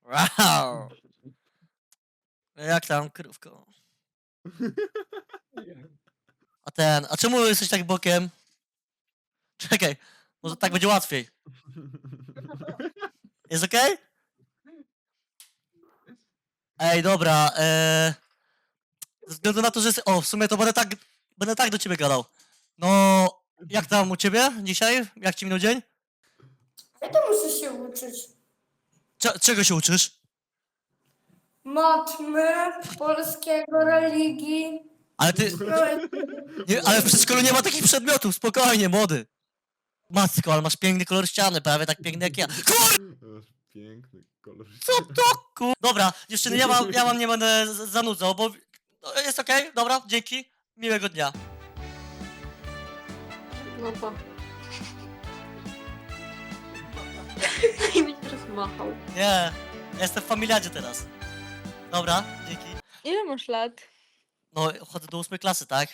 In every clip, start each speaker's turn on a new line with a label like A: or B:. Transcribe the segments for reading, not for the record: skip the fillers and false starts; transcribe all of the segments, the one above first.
A: Wow. Jak tam, krówko? A czemu jesteś tak bokiem? Czekaj, może tak będzie łatwiej. Jest okej? Ej, dobra, ze względu na to, że jest... O, w sumie to będę tak do ciebie gadał. No, jak tam u ciebie dzisiaj? Jak ci minął dzień?
B: Ja to muszę się uczyć.
A: Czego się uczysz?
B: Matmy, polskiego, religii.
A: Ale ty...
B: No i
A: Nie, ale w przedszkolu nie ma takich przedmiotów, spokojnie, młody. Matko, ale masz piękny kolor ściany, prawie tak piękny jak ja.
C: Masz piękny kolor.
A: Co to Dobra, dziewczyny, ja wam nie będę zanudzał, bo... No, jest okej, dobra, dzięki. Miłego dnia.
D: No to. I mi teraz machał.
A: Nie, ja jestem w familiadzie teraz. Dobra, dzięki.
D: Ile masz lat?
A: No, chodzę do 8 klasy, tak?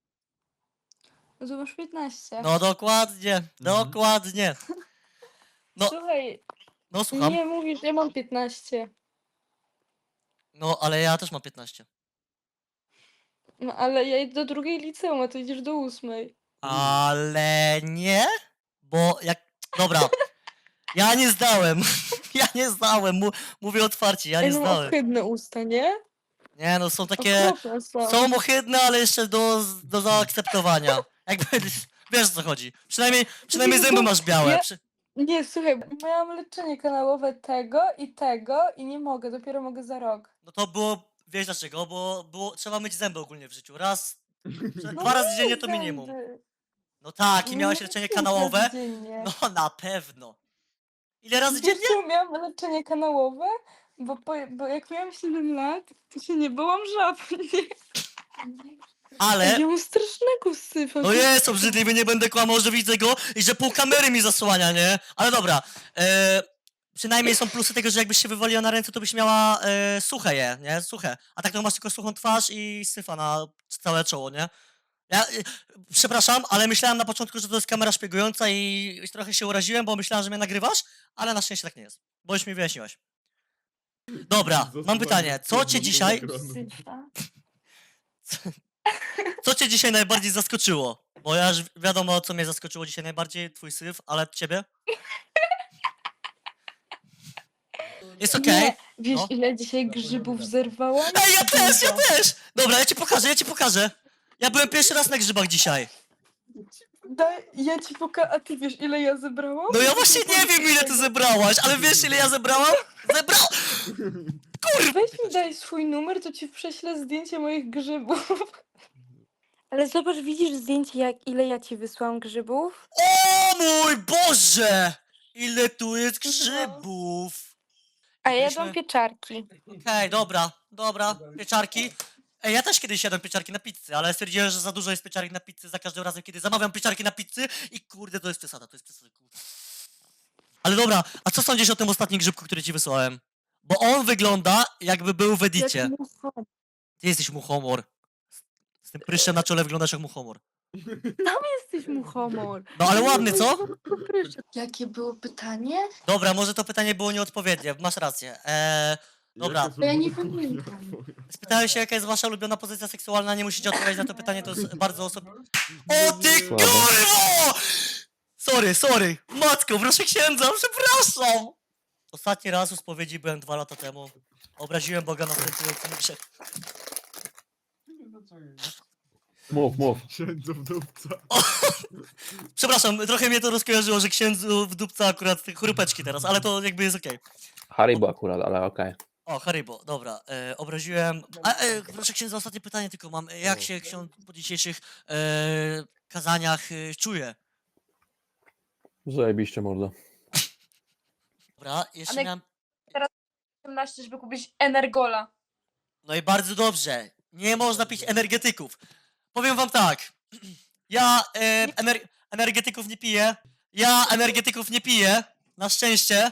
D: No to masz 15.
A: No, dokładnie, dokładnie. No,
D: Słuchaj,
A: no, słucham.
D: nie mówisz, ja mam 15.
A: No, ale ja też mam 15.
D: No ale ja idę do drugiej liceum, a ty idziesz do 8.
A: Ale nie, bo jak... Dobra, ja nie zdałem. Ja nie zdałem, mówię otwarcie, ja nie
D: Ej, no
A: zdałem.
D: ohydne usta, nie?
A: Nie, no są takie...
D: Okropne są.
A: Są ohydne, ale jeszcze do zaakceptowania. Jakby, wiesz o co chodzi. Przynajmniej zęby masz białe.
D: Ja- Nie, słuchaj, miałam leczenie kanałowe tego i nie mogę, dopiero mogę za rok.
A: No to było, wiesz dlaczego, bo trzeba myć zęby ogólnie w życiu. Raz,
D: No
A: dwa razy
D: myję
A: dziennie to minimum.
D: zęby.
A: No tak, i
D: Nie
A: miałeś
D: myję
A: leczenie
D: razy
A: kanałowe?
D: dziennie.
A: No na pewno. Ile razy
D: Wiesz
A: dziennie?
D: co, miałam leczenie kanałowe, bo jak miałam 7 lat, to się nie bałam żab.
A: Ale...
D: Ja mam strasznego syfa.
A: No jest obrzydliwy, nie będę kłamał, że widzę go i że pół kamery mi zasłania, nie? Ale dobra, przynajmniej są plusy tego, że jakbyś się wywaliła na ręce, to byś miała suche je, nie? Suche. A tak to masz tylko suchą twarz i syfa na całe czoło, nie? Ja, przepraszam, ale myślałem na początku, że to jest kamera szpiegująca i trochę się uraziłem, bo myślałem, że mnie nagrywasz, ale na szczęście tak nie jest, bo już mi wyjaśniłaś. Dobra, mam pytanie, co cię dzisiaj...
D: Syfa.
A: Co cię dzisiaj najbardziej zaskoczyło? Bo ja już wiadomo, co mnie zaskoczyło dzisiaj najbardziej, twój syf, ale ciebie? Jest okej.
D: Nie, wiesz
A: No.
D: ile dzisiaj grzybów zerwałam?
A: Ej, ja
D: Dużo.
A: też! Dobra, ja ci pokażę. Ja byłem pierwszy raz na grzybach dzisiaj.
D: Ja ci pokażę, a ty wiesz ile ja zebrałam?
A: No ja właśnie nie wiem, ile ty zebrałaś, ale wiesz, ile ja zebrałam?
D: Weź mi daj swój numer, to ci prześlę zdjęcie moich grzybów. Ale zobacz, widzisz zdjęcie, ile ja ci wysłałam grzybów?
A: O mój Boże! Ile tu jest grzybów!
D: A ja
A: Byliśmy-
D: jadłam pieczarki.
A: Okej, dobra, pieczarki. Ej, ja też kiedyś jadłem pieczarki na pizzy, ale stwierdziłem, że za dużo jest pieczarek na pizzy za każdym razem, kiedy zamawiam pieczarki na pizzy i kurde, to jest przesada, kurde. Ale dobra, a co sądzisz o tym ostatnim grzybku, który ci wysłałem? Bo on wygląda, jakby był w edicie.
D: Jak mucha.
A: Ty jesteś muchomor. Z tym pryszczem na czole wyglądasz jak muchomor.
D: Jesteś muchomor.
A: No ale ładny, co?
D: Jakie było pytanie?
A: Dobra, może to pytanie było nieodpowiednie, masz rację. Dobra.
C: Jaka
D: ja nie
C: formuła
D: pamiętam.
C: twoja?
A: Spytałem się, jaka jest wasza ulubiona pozycja seksualna, nie musicie odpowiedzieć na to pytanie, to jest bardzo osobiste. O ty
C: Słabe.
A: kurwo! Sorry. Matko, proszę księdza, przepraszam! Ostatni raz u spowiedzi byłem 2 lata temu. Obraziłem Boga następującym grzech.
E: Mów.
C: Księdzu w dupca.
A: Przepraszam, trochę mnie to rozkojarzyło, że księdzu w dupce akurat te chrupeczki teraz, ale to jakby jest okej.
E: Haribo akurat, ale okej.
A: O, Haribo, dobra, obraziłem... proszę księdza, ostatnie pytanie tylko mam. Jak się ksiądz po dzisiejszych kazaniach czuje?
E: Zajebiście mordo.
A: Dobra, jeszcze
F: Ale-
A: miałem...
F: 18, żeby kupić Energola.
A: No i bardzo dobrze. Nie można pić energetyków. Powiem wam tak. Ja energetyków nie piję. Na szczęście.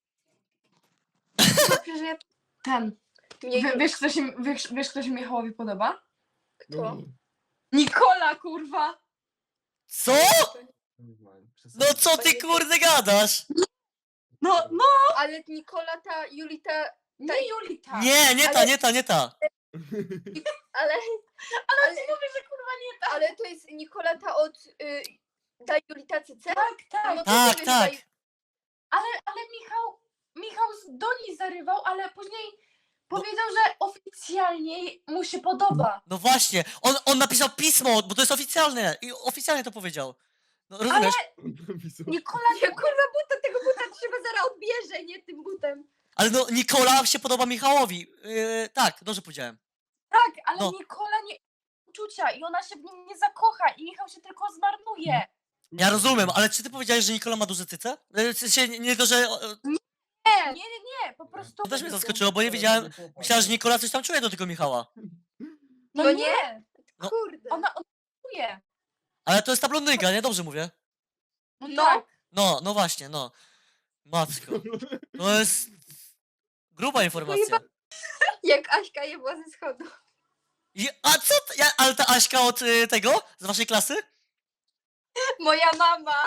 F: Dobrze, że ja ten. Wiesz, kto się Michałowi podoba?
C: Kto?
F: Nikola, kurwa!
A: Co? No co ty kurde gadasz?
F: No,
G: Ale Nikola, ta Julita,
F: nie Julita.
A: Nie ta.
G: ale
F: Ale ci mówię, że kurwa nie tak.
G: ale to jest Nikola ta od ta Julita CC?
F: Tak, tak.
G: No to
A: Tak,
G: nie wiem,
A: tak.
F: Ale Michał do niej zarywał, ale później powiedział, że oficjalnie mu się podoba.
A: No właśnie, on napisał pismo, bo to jest oficjalne i oficjalnie to powiedział. No rozumiesz?
F: Nikola
G: Ja kurwa tego buta trzeba zaraz odbierze, nie tym butem.
A: Ale no Nikola się podoba Michałowi. Tak, dobrze powiedziałem.
F: tak, ale
A: No.
F: Nikola nie uczucia i ona się w nim nie zakocha i Michał się tylko zmarnuje.
A: Ja rozumiem, ale czy ty powiedziałeś, że Nikola ma duże cyce? W sensie nie to, że...
F: Nie, po prostu...
A: To też mnie zaskoczyło, bo nie wiedziałem... Myślałem, że Nikola coś tam czuje do tego Michała.
F: No
G: No
F: nie,
A: No.
G: Kurde.
F: ona czuje.
A: Ale to jest ta blondynka, nie? Dobrze mówię.
F: No,
G: No.
F: tak.
A: No właśnie, no. Matko. To jest... Gruba informacja.
G: Jak Aśka jebła ze schodu.
A: A co? Ale ta Aśka od tego? Z waszej klasy?
G: Moja mama.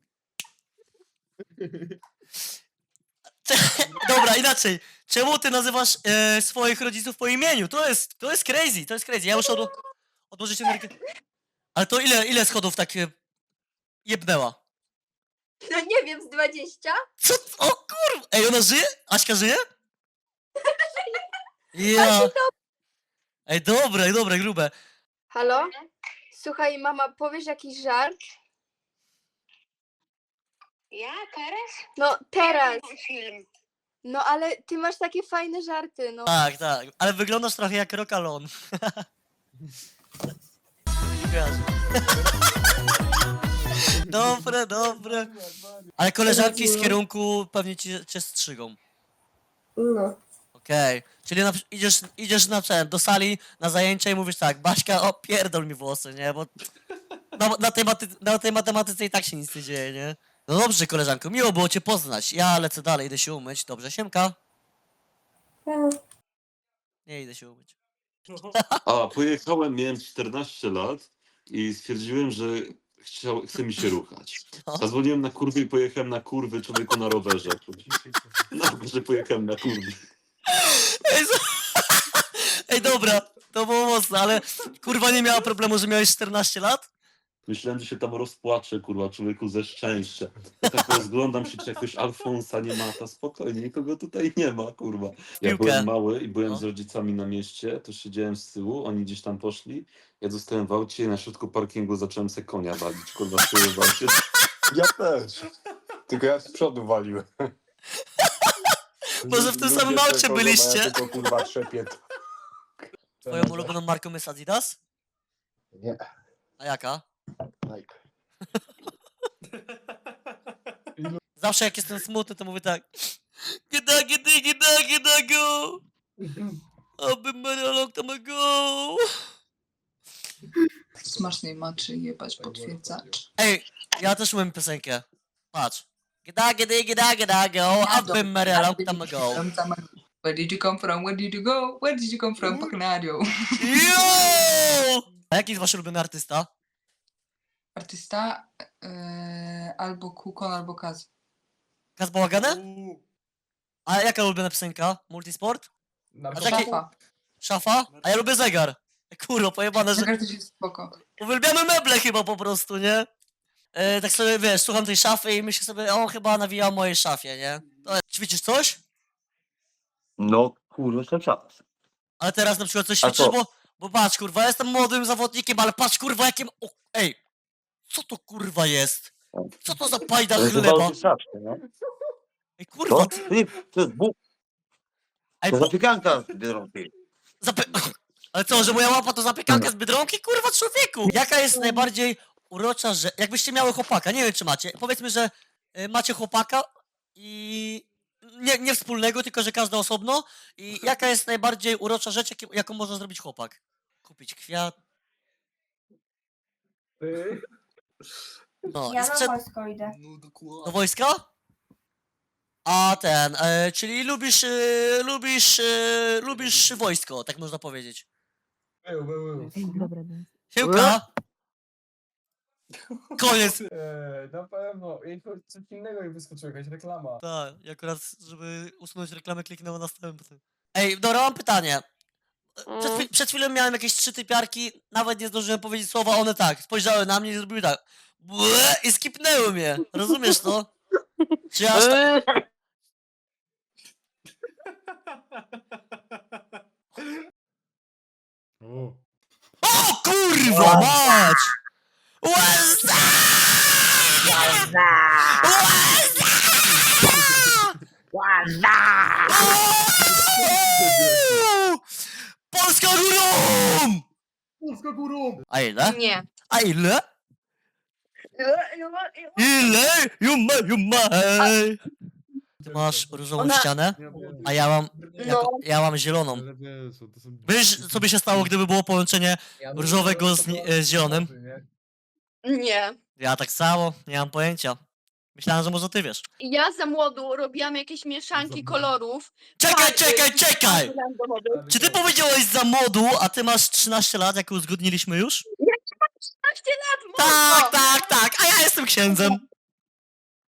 A: Dobra, inaczej. Czemu ty nazywasz swoich rodziców po imieniu? To jest crazy, to jest crazy. Ja muszę odłożyć energię. Ale to ile schodów tak jebnęła?
G: No nie wiem, z 20?
A: Co? O kurwa! Ej, ona żyje? Aśka żyje? Ja. Ej, dobre, grube.
G: Halo? Słuchaj, mama, powiesz jakiś żart?
H: Ja teraz?
G: No teraz.
H: Mam film.
G: No ale ty masz takie fajne żarty, no.
A: Tak. Ale wyglądasz trochę jak Rokalon. Kojarzę. Dobre. Ale koleżanki z kierunku pewnie cię strzygą.
B: No.
A: Okej. Czyli idziesz do sali, na zajęcia i mówisz tak, Baśka, opierdol mi włosy, nie? Bo na tej matematyce i tak się nic nie dzieje, nie? No dobrze, koleżanko, miło było cię poznać. Ja lecę dalej, idę się umyć. Dobrze, siemka. Nie idę się umyć.
I: A, pojechałem, miałem 14 lat i stwierdziłem, że chce mi się ruchać.
A: No.
I: Zadzwoniłem na kurwy i pojechałem na kurwy człowieku na rowerze. Na rowerze pojechałem na kurwy.
A: Ej, dobra, to było mocne, ale kurwa nie miała problemu, że miałeś 14 lat?
I: Myślałem, że się tam rozpłaczę, kurwa, człowieku ze szczęścia. Ja tak rozglądam się, czy jakiegoś Alfonsa nie ma, to spokojnie, nikogo tutaj nie ma, kurwa. Ja
A: Piłkę.
I: byłem mały i byłem
A: No.
I: z rodzicami na mieście, to siedziałem z tyłu, oni gdzieś tam poszli, ja zostałem w aucie i na środku parkingu zacząłem se konia walić, kurwa, z tyłu w aucie.
J: Ja też. Tylko ja z przodu waliłem.
A: Może w tym
J: Ludzie
A: samym aucie
J: przechodzą, a
A: byliście?
J: Ja tylko kurwa trzepię.
A: Twoją ulubioną marką jest Adidas?
J: Nie,
A: A jaka?
J: Nike.
A: Zawsze jak jestem smutny, to mówię tak. Gida go! Aby Maria long time ago!
K: Smacznej maczy jebać potwierdzacz.
A: Ej, ja też umiem piosenkę. Patrz. Gida go! Aby Maria long time ago!
K: Where did you come from? Where did you go? Where did you come from? Pagnario.
A: Yo! A jaki jest wasz ulubiony artysta?
K: Artysta albo Kukon, albo Kaz.
A: Kaz Bałagane? A jaka ulubiona piosenka? Multisport? A taki-
K: Szafa.
A: Szafa? A ja lubię zegar. Kurwa, pojebane, że...
K: Zegar też jest spoko.
A: Uwielbiamy meble chyba po prostu, nie? Tak sobie, wiesz, słucham tej szafy i myślę sobie, o, chyba nawija o mojej szafie, nie? Ćwiczysz coś?
L: No, kurwa, cały czas.
A: Ale teraz na przykład coś
L: A
A: ćwiczysz,
L: co?
A: bo patrz, kurwa, ja jestem młodym zawodnikiem, ale patrz, kurwa, jakim... O, ej! Co to, kurwa, jest? Co to za pajda
L: To jest
A: chleba?
L: chyba wystarczy, nie?
A: Ej, kurwa,
L: To? Nie, to jest Bóg,
A: ej,
L: to zapiekanka z Biedronki.
A: Ale co, że moja łapa to zapiekanka z Biedronki? Kurwa, człowieku! Jaka jest najbardziej urocza rzecz... Jakbyście miały chłopaka, nie wiem, czy macie. Powiedzmy, że macie chłopaka i... Nie wspólnego, tylko że każdy osobno. I jaka jest najbardziej urocza rzecz, jaką może zrobić chłopak? Kupić kwiat. No,
B: Ja
A: i
B: na wojsko idę.
A: do wojska? A ten, czyli lubisz wojsko, tak można powiedzieć.
J: Był.
A: Siemka! Koniec.
J: Na pewno. Coś innego mi wyskoczyło, jakaś reklama.
A: Tak, i akurat, żeby usunąć reklamę, kliknęło następny. Ej, dobra, mam pytanie. Przed chwilą miałem jakieś 3 typiarki, nawet nie zdążyłem powiedzieć słowa, one tak, spojrzały na mnie i zrobiły tak. Błe, i skipnęły mnie. Rozumiesz to? Czy ja aż tak...
C: O,
A: O kurwa mać! Łeza! Polska górą!
C: Polska górą!
A: A ile?
G: Nie.
A: A ile? Ile? Juma. Ty masz różową
G: Ona-
A: ścianę,
C: Ja wiem.
A: a ja mam,
G: No.
A: ja mam zieloną.
C: Ale wiesz, to są...
A: Wiesz, co by się stało, gdyby było połączenie różowego z zielonym?
G: Nie.
A: Ja tak samo, nie mam pojęcia. Myślałem, że może ty wiesz.
G: Ja za młodu robiłam jakieś mieszanki kolorów.
A: Czekaj! Czy ty powiedziałeś za młodu, a ty masz 13 lat, jak uzgodniliśmy już?
G: 13 lat, mordo!
A: Tak, a ja jestem księdzem.